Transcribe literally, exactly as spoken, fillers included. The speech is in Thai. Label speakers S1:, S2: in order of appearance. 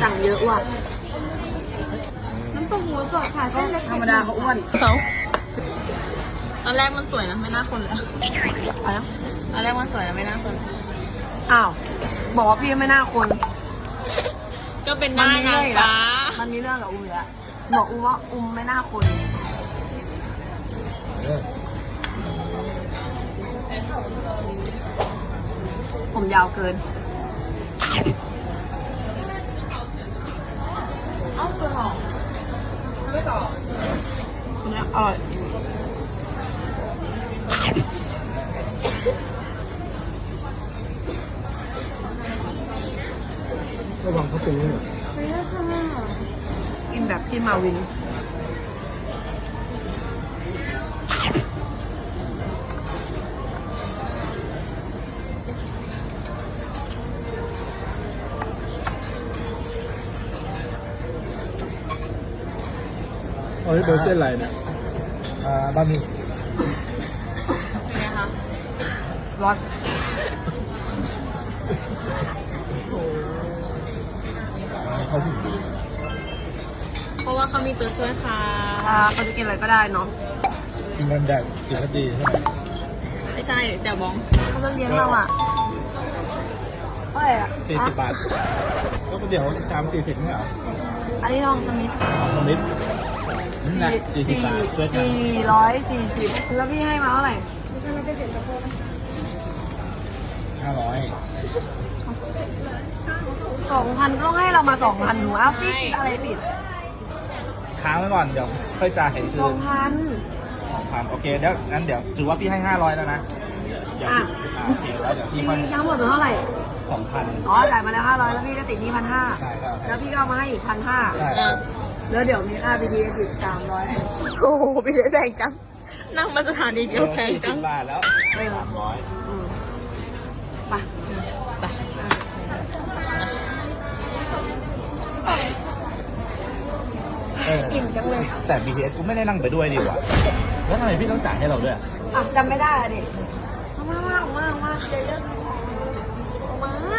S1: สั่งเยอะว่ะ
S2: น้ำตกหมูสดค่ะเส้นเล็ก
S1: ธรรมดาเขาอ้วน
S3: เขาตอนแรกมันสวยนะไม่น่าคนเลย
S1: อะไรนะ
S3: ตอนแรกมันสวยนะไม่น่าคน
S1: อ้าว บอกว่าพี่ไม่น่าคน
S3: ก็เป็นหน้านางฟ้า
S1: มันมีเรื่องกับอุ้มอยู่แล้วบอกอุ้มว่าอุ้มไม่น่าคน ผมยาวเกิน
S3: เอ้าตัวหอมไม่ต่อ
S1: เนี่ยอร่อย
S4: ระวังเขาเป็นนี่
S2: ไปแล้วค่ะ
S1: กินแบบพี่มาวิน
S4: เอ้ยเบอร์เส้นอะไรเนี่ยอ่าบะหมี่
S3: เป็นไงคะ
S1: ร้อน
S4: เขาถึง
S3: เพราะว่าเขามีตัวช่วยค่ะ
S1: ถ้าเขาจะกินอะไรก็ได้เนาะ
S4: กินกันแดดกินก็ดีใช่ไหม
S3: ไม่ใช่แจ่วบอง
S1: เขาจะเลี้ยงเราอ่ะเท่าไหร่อ่ะ
S4: สี่สิบบาทก็เดี๋ยวจามสี่สิบไม่เหรอ
S1: อันนี้ทองสมิธ
S4: สมิธนี่นะสี่สิบบาทช่วยกัน
S1: สี่ร้อยสี่สิบแล้วพี่ให้มาเท่าไหร่
S2: เราไปเสร็จแล้วก็
S4: ห้าร้อย
S1: สองพันต้องให้เรามาสองพันหนูอ้าวพี่คิดอะไรผิด
S4: ค้างไว้ก่อนเดี๋ยวค่อยจ่ายให้คื
S1: สองพัน
S4: สองพันโอเคเดี๋ยวงั้นเดี๋ยวถือว่าพี่ให้ห้าร้อยแล้วนะเดี๋ยว
S1: อ่ะ
S4: อ่าโอเคแล้วเดี๋ยว
S1: จ
S4: พี่
S1: ริง
S4: ค่อย
S1: ๆทั้งหมดเป็นเท่าไหร่
S4: สองพัน
S1: อ๋อจ่ายมาแล้วห้าร้อยแล้วพี่ก็ติดหนี้พันห้า
S4: ใช่ครับ
S1: แล้วพี่ก็เอามาให้อีกพันห้า
S4: ใช่
S3: เออ
S1: แล้วเดี๋ยวมีค่าบีดีอีกสามร้อย
S3: โอ้โหพี่แพงจัง นั่งมาสถานีเดียวแพง
S4: สี่
S3: จั
S4: สิ
S3: ง
S4: บบาทแล้วสามร้อย
S1: อืมไป
S3: ไป
S4: เออ
S1: อิ่มจังเลย
S4: แต่ บี ที เอส กูไม่ได้นั่งไปด้วยดีกว่าแล้วทำไมพี่ต้องจ่ายให้เราด้วย
S1: อ่ะจำไม่ได้อะดิเอามาเอามาเอามาเดี๋ยวเรื่องเอามา